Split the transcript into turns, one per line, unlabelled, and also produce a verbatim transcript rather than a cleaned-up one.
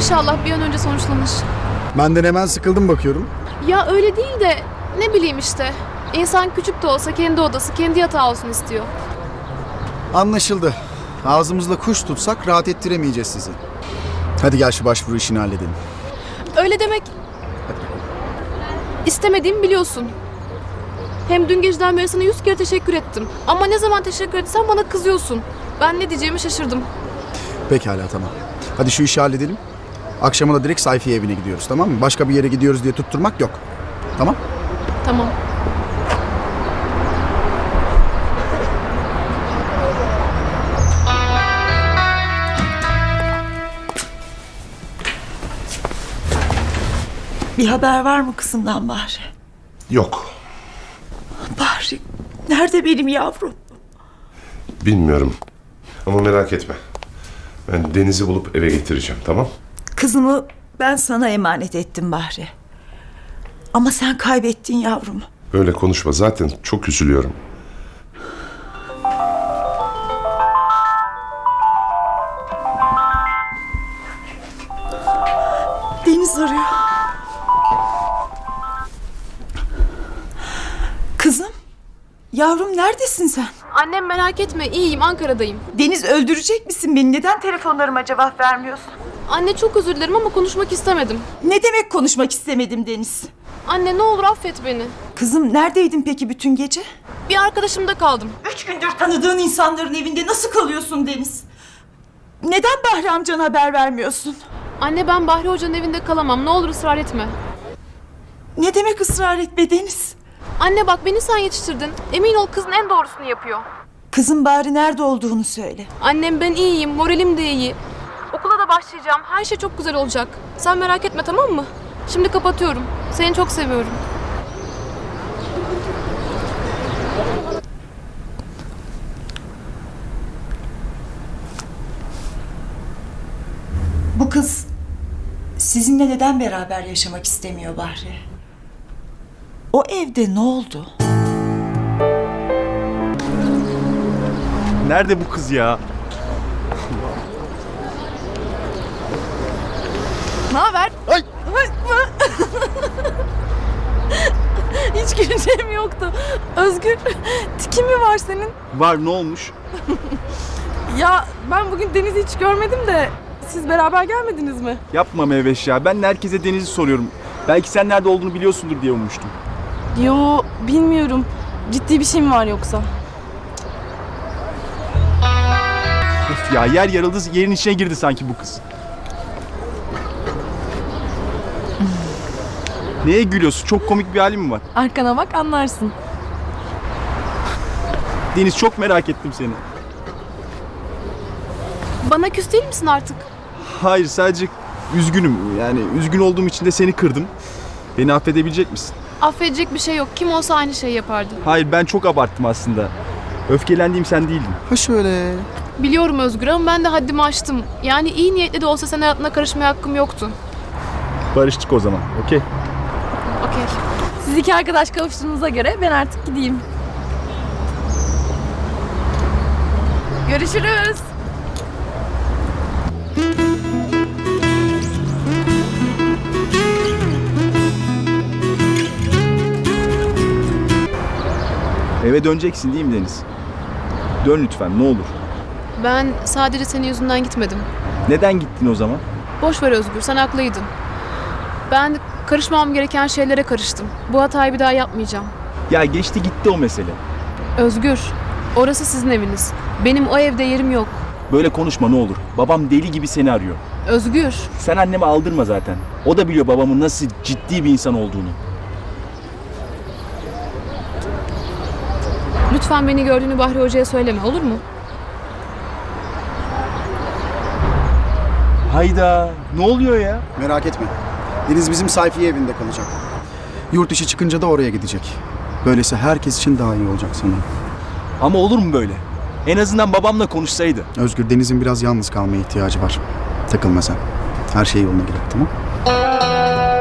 İnşallah bir an önce sonuçlanır.
Benden hemen sıkıldım bakıyorum.
Ya öyle değil de ne bileyim işte. İnsan küçük de olsa kendi odası, kendi yatağı olsun istiyor.
Anlaşıldı. Ağzımızla kuş tutsak rahat ettiremeyeceğiz sizi. Hadi gel şu başvuru işini halledelim.
Öyle demek istemediğimi biliyorsun. Hem dün geceden beri sana yüz kere teşekkür ettim. Ama ne zaman teşekkür etsem bana kızıyorsun. Ben ne diyeceğimi şaşırdım.
Pekala, tamam. Hadi şu işi halledelim. Akşama da direkt Sayfiye evine gidiyoruz, tamam mı? Başka bir yere gidiyoruz diye tutturmak yok. Tamam?
Tamam.
Bir haber var mı kızımdan Bahri?
Yok.
Bahri, nerede benim yavrum?
Bilmiyorum. Ama merak etme. Ben Deniz'i bulup eve getireceğim, tamam?
Kızımı ben sana emanet ettim Bahri. Ama sen kaybettin yavrumu.
Öyle konuşma. Zaten çok üzülüyorum.
Deniz arıyor. Kızım, yavrum neredesin sen?
Annem merak etme, iyiyim, Ankara'dayım.
Deniz, öldürecek misin beni? Neden telefonlarıma cevap vermiyorsun?
Anne çok özür dilerim ama konuşmak istemedim.
Ne demek konuşmak istemedim Deniz?
Anne ne olur affet beni.
Kızım, neredeydin peki bütün gece?
Bir arkadaşımda kaldım.
Üç gündür tanıdığın insanların evinde nasıl kalıyorsun Deniz? Neden Bahri amcana haber vermiyorsun?
Anne ben Bahri Hoca'nın evinde kalamam. Ne olur ısrar etme.
Ne demek ısrar etme Deniz?
Anne bak beni sen yetiştirdin. Emin ol kızın en doğrusunu yapıyor.
Kızım bari nerede olduğunu söyle.
Annem ben iyiyim. Moralim de iyi. Okula da başlayacağım. Her şey çok güzel olacak. Sen merak etme, tamam mı? Şimdi kapatıyorum. Seni çok seviyorum.
Bu kız sizinle neden beraber yaşamak istemiyor Bahri? O evde ne oldu?
Nerede bu kız ya?
Ne haber?
Ay!
Hiç güleceğim yoktu. Özgür, tikin mi var senin?
Var, ne olmuş?
Ya ben bugün Deniz'i hiç görmedim de siz beraber gelmediniz mi?
Yapma Meyveş ya. Ben herkese Deniz'i soruyorum. Belki sen nerede olduğunu biliyorsundur diye ummuştum.
Yo bilmiyorum. Ciddi bir şey mi var yoksa?
Of ya, yer yarıldı, yerin içine girdi sanki bu kız. Neye gülüyorsun? Çok komik bir halin mi var?
Arkana bak anlarsın.
Deniz, çok merak ettim seni.
Bana küs değil misin artık?
Hayır, sadece üzgünüm. Yani üzgün olduğum için de seni kırdım. Beni affedebilecek misin?
Affedecek bir şey yok. Kim olsa aynı şeyi yapardı.
Hayır, ben çok abarttım aslında. Öfkelendiğim sen değildin.
Ha şöyle.
Biliyorum Özgür ama ben de haddimi aştım. Yani iyi niyetli de olsa senin hayatına karışmaya hakkım yoktu.
Barıştık o zaman, okey?
Okey. Siz iki arkadaş kavuştuğunuza göre ben artık gideyim. Görüşürüz.
Eve döneceksin değil mi Deniz? Dön lütfen, ne olur.
Ben sadece senin yüzünden gitmedim.
Neden gittin o zaman?
Boş ver Özgür, sen haklıydın. Ben karışmam gereken şeylere karıştım. Bu hatayı bir daha yapmayacağım.
Ya geçti gitti o mesele.
Özgür, orası sizin eviniz. Benim o evde yerim yok.
Böyle konuşma ne olur. Babam deli gibi seni arıyor.
Özgür,
Sen anneme aldırma zaten. O da biliyor babamın nasıl ciddi bir insan olduğunu.
lütfen beni gördüğünü Bahri Hoca'ya söyleme, olur mu?
Hayda, ne oluyor ya?
Merak etme. Deniz bizim Sayfiye evinde kalacak. Yurt dışı çıkınca da oraya gidecek. Böylesi herkes için daha iyi olacak sanırım.
Ama olur mu böyle? En azından babamla konuşsaydı.
Özgür, Deniz'in biraz yalnız kalmaya ihtiyacı var. Takılma sen. Her şey yoluna girer, tamam?